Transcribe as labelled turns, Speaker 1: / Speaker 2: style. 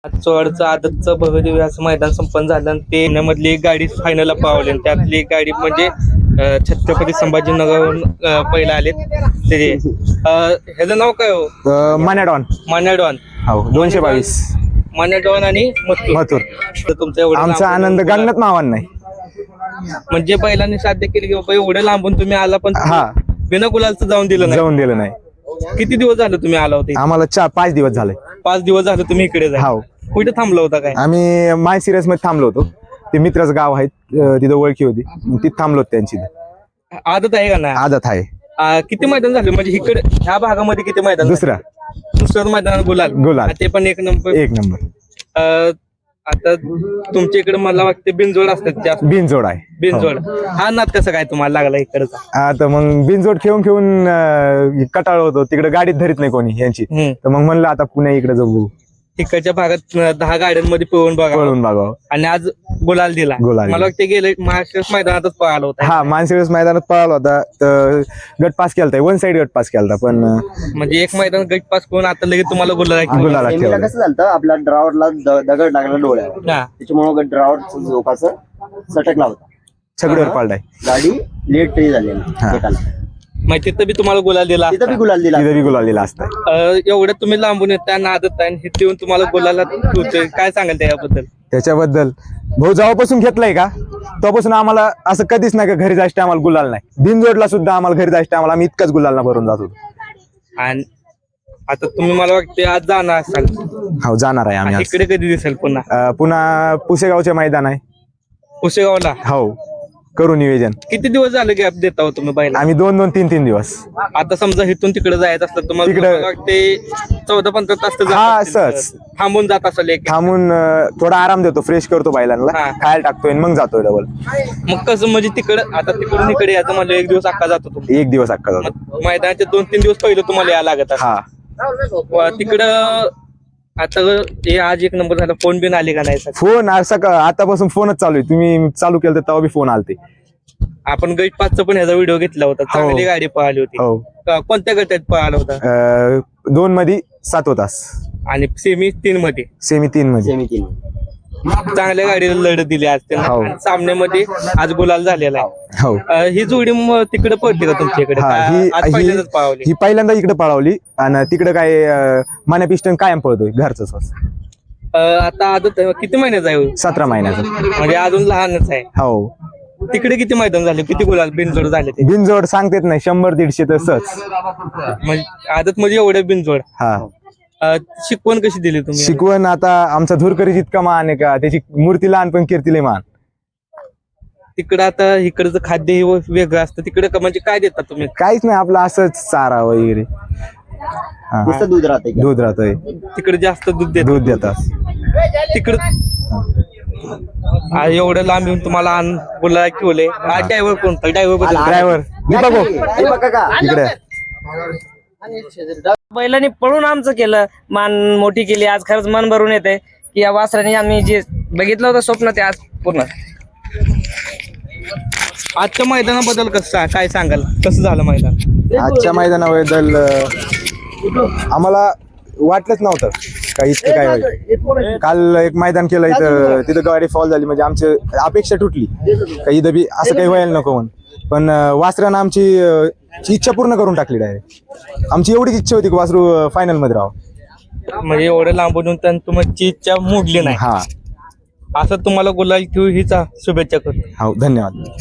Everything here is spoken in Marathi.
Speaker 1: चोडचं आदतचं भव्यदिव्य असं मैदान संपन्न झालं आणि ते पुण्यामधली एक गाडी फायनलला पावली आणि त्यातली एक गाडी म्हणजे छत्रपती संभाजीनगरहून पहिला आले ते ह्याचं नाव काय हो?
Speaker 2: मान्याडॉन
Speaker 1: मान्याडॉन.
Speaker 2: हो 222
Speaker 1: मान्याडॉन आणि मथुर. तर तुमचं एवढं
Speaker 2: आमचा
Speaker 1: लांबून
Speaker 2: आनंद गणनात मावान नाही.
Speaker 1: म्हणजे बैलांनी साध्य केली की बाबा एवढं लांबून तुम्ही आला पण
Speaker 2: हा
Speaker 1: बिना गुलालचं जाऊन दिलं नाही.
Speaker 2: जाऊन दिलं नाही.
Speaker 1: किती दिवस झाले तुम्ही आला होते?
Speaker 2: आम्हाला 5 दिवस झाले.
Speaker 1: 5 दिवस झाले तुम्ही इकडे जा.
Speaker 2: हो
Speaker 1: कुठे थांबला होता काय?
Speaker 2: आम्ही माय सिरियस मध्ये थांबलो होतो. ते मित्राचं गाव आहे तिथं ओळखी होती तिथं थांबलो होतो त्यांची.
Speaker 1: आदत आहे का नाही?
Speaker 2: आदत आहे.
Speaker 1: किती मैदान झाले म्हणजे इकडे ह्या भागामध्ये किती मैदान? दुसरं मैदान गुलाल. ते पण एक नंबर. आता तुमच्या इकडे मला वाटतं बिनजोड असतात जास्त.
Speaker 2: बिनजोड आहे.
Speaker 1: बिनजोड हा नाद कसं काय तुम्हाला लागला इकडचा?
Speaker 2: आता मग बिनजोड खेळून कटाळ होतो तिकडे गाडीत धरीत नाही कोणी यांची. तर मग म्हणलं आता पुणे इकडे जाऊ.
Speaker 1: तिकडच्या भागात 10 गाड्यांमध्ये पळून
Speaker 2: बघावं
Speaker 1: आणि आज गुलाल दिला. मला वाटतं गेले महाराष्ट्र मैदानातच पळाला होता.
Speaker 2: हा मानसिरस मैदानात पळाला होता. तर गट पास केलता. 1 साइड गट पास केलता. पण
Speaker 1: म्हणजे एक मैदान गट पास करून आता लगेच तुम्हाला गुलाल
Speaker 3: कसं झालं आपल्या ड्रायव्हरला दगड लागला डोळ्यावर त्याच्यामुळे ड्रायव्हर झोकाचं सटकला होता.
Speaker 2: सगळ्यावर पाळलाय.
Speaker 3: गाडी लेट तरी झाली.
Speaker 1: माहिती तिथं बी तुम्हाला गुलाल दिला.
Speaker 3: तिथं बी गुलाल दिला
Speaker 1: असतं. एवढं तुम्ही लांबून येता नादत आहे हे देऊन तुम्हाला गुलाला होतोय. काय सांगाल
Speaker 2: त्याच्याबद्दल? भाऊ जेव्हापासून घेतलाय का तेव्हापासून आम्हाला असं कधीच नाही का घरी जायचं आम्हाला गुलाल नाही. बिनजोडला सुद्धा आम्हाला घरी जायचं आम्हाला आम्ही इतकाच गुलालना भरून जात होतो.
Speaker 1: आणि आता तुम्ही मला वाटते आज जाणार असाल?
Speaker 2: हो जाणार आहे आम्ही.
Speaker 1: इकडे कधी दिसेल
Speaker 2: पुन्हा पुसेगावचे मैदान आहे.
Speaker 1: पुसेगावला?
Speaker 2: हो करू नियोजन.
Speaker 1: किती दिवस झाले गॅप देता हो तुम्ही बैल?
Speaker 2: आम्ही 2-3 दिवस.
Speaker 1: आता समजा इथून तिकडे जायचं असलं तुम्हाला
Speaker 2: तिकडे
Speaker 1: वाटते 14-15 तास
Speaker 2: हा सहज
Speaker 1: थांबून जात असेल.
Speaker 2: थांबून थोडा आराम देतो. फ्रेश करतो बैलांना. खायला टाकतोय मग जातोय डबल.
Speaker 1: मग कसं म्हणजे तिकडं आता तिकडून इकडे यायचं म्हणजे 1 दिवस अक्का जातो तुम्ही?
Speaker 2: 1 दिवस अक्का जातो.
Speaker 1: मैदानाचे 2-3 दिवस पहिले तुम्हाला यायला लागत.
Speaker 2: हा
Speaker 1: तिकडं आता हे आज 1 नंबर झाला. फोन बिन आले का नाही?
Speaker 2: फोन आतापासून फोनच चालू आहे. तुम्ही चालू केलं तर तेव्हा बी फोन आलते.
Speaker 1: आपण गट 5चा पण ह्याचा व्हिडिओ घेतला होता. चांगली गाडी पळाली होती. कोणत्या गटात पळाला होता?
Speaker 2: 2 मध्ये 7 तास
Speaker 1: आणि सेमी 3 मध्ये.
Speaker 2: सेमी 3 मध्ये
Speaker 1: चांगल्या गाडीला लढत दिली आज त्यांना. सामन्यामध्ये आज गुलाल झालेला आहे.
Speaker 2: हो
Speaker 1: ही जोडी तिकडे पडते का तुमच्या इकडे?
Speaker 2: ही पहिल्यांदा इकडे पळवली आणि तिकडे काय मान्या पिस्टन कायम पळतोय घरच.
Speaker 1: आता आदत किती महिन्याचा आहे?
Speaker 2: 17 महिन्याचा.
Speaker 1: म्हणजे अजून लहानच आहे.
Speaker 2: हो
Speaker 1: तिकडे किती मैदान झाले? किती गुलाल बिनजोड झाले? ते
Speaker 2: बिनजोड सांगतेत नाही 100-150 तसंच.
Speaker 1: म्हणजे आदत म्हणजे एवढे बिनजोड.
Speaker 2: हा
Speaker 1: शिकवण कशी दिली तुम्ही?
Speaker 2: शिकवण आता आमचा धुरकरी जितका मान आहे का त्याची मूर्ती लहान पण कीर्तीले मान.
Speaker 1: तिकडं आता इकडचं खाद्य हे वेगळं असतं. तिकडे म्हणजे काय देतात तुम्ही?
Speaker 2: काहीच नाही आपलं असंच चारा वगैरे.
Speaker 3: दूध राहतंय.
Speaker 1: तिकडे जास्त दूध
Speaker 2: देतात.
Speaker 1: तिकडं एवढं लांब येऊन तुम्हाला बोलायला ठेवले. ड्रायव्हर कोणता?
Speaker 2: ड्रायव्हर इकडे.
Speaker 4: बैलांनी पळून आमचं केलं. मान मोठी केली. आज खरंच मन भरून येते की या वासराने आम्ही जे बघितलं होतं स्वप्न ते आज पूर्ण.
Speaker 1: आजच्या मैदानाबद्दल कसं काय सांगाल? कसं झालं मैदान?
Speaker 2: आजच्या मैदानाबद्दल आम्हाला वाटलंच नव्हतं काही इतकं काय होईल. काल एक मैदान केलं इथं तिथं गाडी फॉल झाली म्हणजे आमची अपेक्षा तुटली काही इथं बी असं काही व्हायला नको म्हणून. पण वासरानं आमची इच्छा पूर्ण करून टाकली डायरेक्ट. आमची एवढीच इच्छा होती की वासरू फायनल मध्ये राहावं.
Speaker 1: म्हणजे एवढं लांबून तुमची इच्छा मोडली नाही.
Speaker 2: हा
Speaker 1: असं तुम्हाला गुलाल ठेवू हीच शुभेच्छा करतो.
Speaker 2: हो धन्यवाद.